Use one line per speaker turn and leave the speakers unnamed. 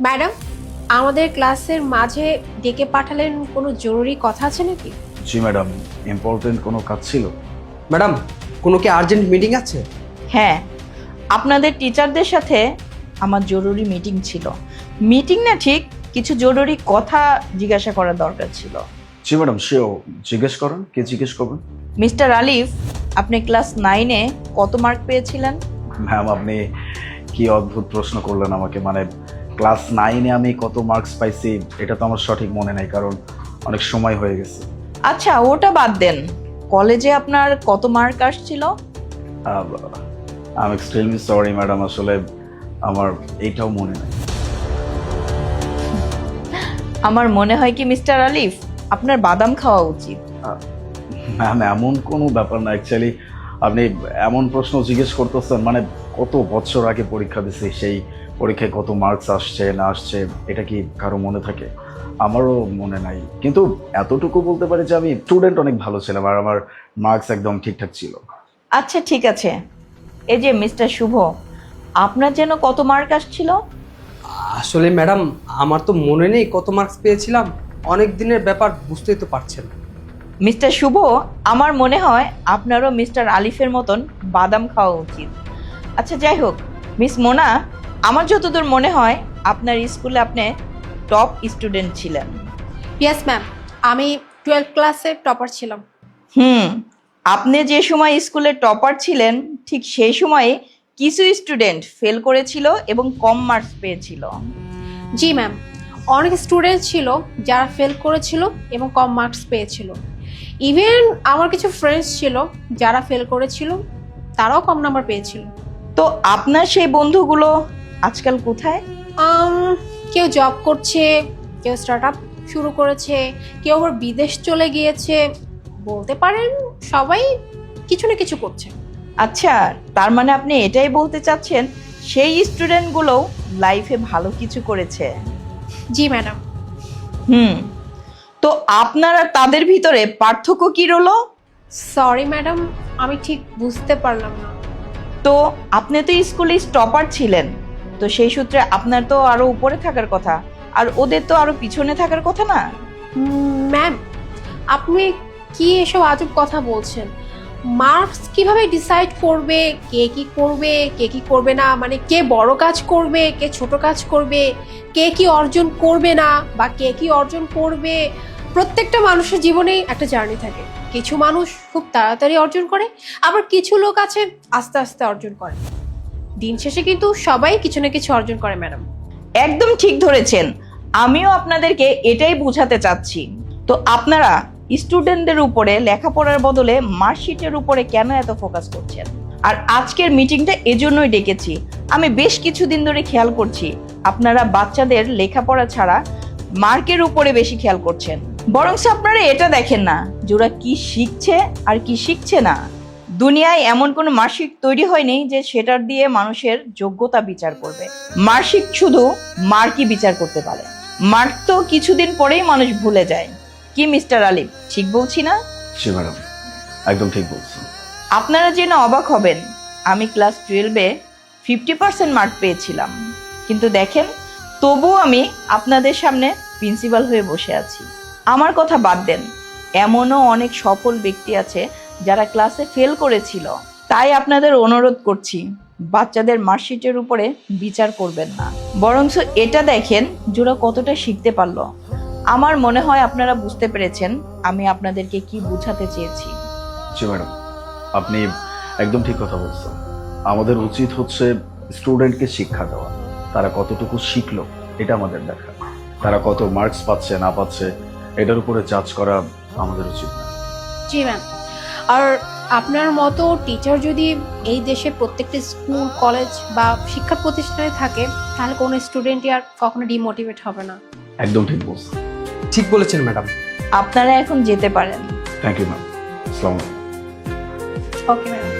Madam, আমাদের ক্লাসের মাঝে ডেকে পাঠালেন, কোনো জরুরি কথা আছে নাকি?
জি ম্যাডাম, ইম্পর্টেন্ট কোনো কাজ ছিল?
ম্যাডাম, কোনো কি আর্জেন্ট মিটিং আছে?
হ্যাঁ, আপনাদের টিচারদের সাথে আমার জরুরি মিটিং ছিল। মিটিং না ঠিক, কিছু জরুরি কথা জিজ্ঞাসা করার দরকার ছিল।
জি ম্যাডাম, সেও জিজ্ঞেস করেন। কে জিজ্ঞেস করবেন?
মিস্টার আলিফ, আপনি ক্লাস 9-এ কত মার্ক পেয়েছিলেন?
ম্যাম, আপনি কি অদ্ভুত প্রশ্ন করলেন আমাকে। মানে ক্লাস 9-এ আমি কত মার্কস পাইছি এটা তো আমার সঠিক মনে নাই, কারণ অনেক সময় হয়ে গেছে।
আচ্ছা, ওটা বাদ দেন। কলেজে আপনার কত মার্ক আসছিল?
I am extremely sorry madam, আসলে আমার এইটাও মনে নাই।
আমার মনে হয় কি মিস্টার আলিফ, আপনার বাদাম খাওয়া উচিত।
ম্যাম, এমন কোনো ব্যাপার না। অ্যাকচুয়ালি আপনি এমন প্রশ্ন জিজ্ঞেস করতেছেন, মানে কত বছর আগে পরীক্ষা দিছি, সেই পরীক্ষায় কত মার্কস আসছে না আসছে এটা কি কারো মনে থাকে? আমারও মনে নাই, কিন্তু এতটুকু বলতে পারি যে আমি স্টুডেন্ট অনেক ভালো ছিলাম আর আমার মার্কস একদম ঠিকঠাক ছিল।
আচ্ছা ঠিক আছে, এই যে মিস্টার শুভ, আপনার যেন কত মার্ক আসছিল?
আসলে ম্যাডাম, আমার তো মনে নেই কত মার্কস পেয়েছিলাম। অনেক দিনের ব্যাপার, বুঝতেই তো পারছেন।
মিস্টার শুভ, আমার মনে হয় আপনারও মিস্টার আলিফের মতন বাদাম খাওয়া উচিত। আচ্ছা যাই হোক, মিস মোনা, আমার যতদূর মনে হয় আপনার স্কুলে আপনি টপ স্টুডেন্ট ছিলেন।
ইয়েস ম্যাম, আমি 12 ক্লাসে টপার ছিলাম।
আপনি যে সময় স্কুলে টপার ছিলেন ঠিক সেই সময়ে কিছু স্টুডেন্ট ফেল করেছিল এবং কম মার্কস পেয়েছিল।
জি ম্যাম, অনেক স্টুডেন্ট ছিল যারা ফেল করেছিল এবং কম মার্কস পেয়েছিল। ইভেন আমার কিছু ফ্রেন্ডস ছিল যারা ফেল করেছিল, তারাও কম নাম্বার পেয়েছিল।
তো আপনার সেই বন্ধুগুলো আজকাল কোথায়?
কেউ জব করছে, কেউ স্টার্ট আপ শুরু করেছে, কেউ আবার বিদেশ চলে গিয়েছে। বলতে পারেন সবাই কিছু না কিছু করছে।
আচ্ছা, তার মানে আপনি এটাই বলতে চাচ্ছেন সেই স্টুডেন্টগুলো লাইফে ভালো কিছু করেছে?
জি ম্যাডাম।
তো আপনার আর তাদের ভিতরে পার্থক্য কি রইলো?
সরি ম্যাডাম, আমি ঠিক বুঝতে পারলাম না।
তো আপনি তো স্কুলে টপার ছিলেন, তো সেই সূত্রে আপনার তো আরো উপরে থাকার কথা, আর ওদের তো আরো পিছনে থাকার কথা না?
ম্যাম, আপনি কি এসব আজব কথা বলছেন? মার্কস কিভাবে ডিসাইড করবে কে কি করবে কে কি করবে না? মানে কে বড় কাজ করবে কে ছোট কাজ করবে, কে কি অর্জন করবে না বা কে কি অর্জন করবে? প্রত্যেকটা মানুষের জীবনেই একটা জার্নি থাকে। কিছু মানুষ খুব তাড়াতাড়ি অর্জন করে, আবার কিছু লোক আছে আস্তে আস্তে অর্জন করে। দিন শেষে কিন্তু সবাই কিছু না কিছু অর্জন করে ম্যাডাম।
একদম ঠিক ধরেছেন, আমিও আপনাদেরকে এটাই বোঝাতে চাচ্ছি। তো আপনারা স্টুডেন্টদের উপরে লেখাপড়ার বদলে মার্কশিটের উপরে কেন এত ফোকাস করছেন? আর আজকের মিটিংটা এজন্যই ডেকেছি। আমি বেশ কিছুদিন ধরে খেয়াল করছি আপনারা বাচ্চাদের লেখাপড়া ছাড়া মার্কের উপরে বেশি খেয়াল করছেন। বরং আপনারা এটা দেখেন না যে ওরা কি শিখছে আর কি শিখছে না। দুনিয়ায় এমন কোনো মার্কশিট তৈরি হয়নি যে সেটার দিয়ে মানুষের যোগ্যতা বিচার করবে। মার্কশিট শুধু মার্কই বিচার করতে পারে। মার্ক তো কিছুদিন পরেই মানুষ ভুলে যায়। কি মিস্টার আলিফ, ঠিক বলছি না?
জি ম্যাডাম, একদম ঠিক বলছেন।
আপনারা জেনে অবাক হবেন, আমি ক্লাস 12-এ 50% মার্ক পেয়েছিলাম, কিন্তু দেখেন তবুও আমি আপনাদের সামনে প্রিন্সিপাল হয়ে বসে আছি। আমার কথা বাদ দেন, এমনও অনেক সফল ব্যক্তি আছে যারা ক্লাসে ফেল করেছিল। তাই আপনাদের অনুরোধ করছি, বাচ্চাদের মার্কশিটের উপরে বিচার করবেন না, বরঞ্চ এটা দেখেন যারা কতটা শিখতে পারলো। আমার মনে হয় আপনারা বুঝতে পেরেছেন আমি আপনাদেরকে কি বোঝাতে চেয়েছি।
জি ম্যাডাম, আপনি একদম ঠিক কথা বলছেন। আমাদের উচিত হচ্ছে স্টুডেন্টকে শিক্ষা দেওয়া। তারা কতটুকু শিখলো এটা আমাদের দেখা। তারা কত মার্কস পাচ্ছে না পাচ্ছে এটার উপরে জাজ করা আমাদের উচিত না।
জি ম্যাম, আর আপনার মতো টিচার যদি এই দেশে প্রত্যেকটা স্কুল কলেজ বা শিক্ষা প্রতিষ্ঠানে থাকে, তাহলে কোনো স্টুডেন্টই আর কখনো ডিমোটিভেট হবে না।
একদম ঠিক বলছেন।
ঠিক বলেছেন ম্যাডাম।
আপনারা এখন যেতে পারেন।
Thank you ma'am. আসসালামু আলাইকুম।
Okay ma'am.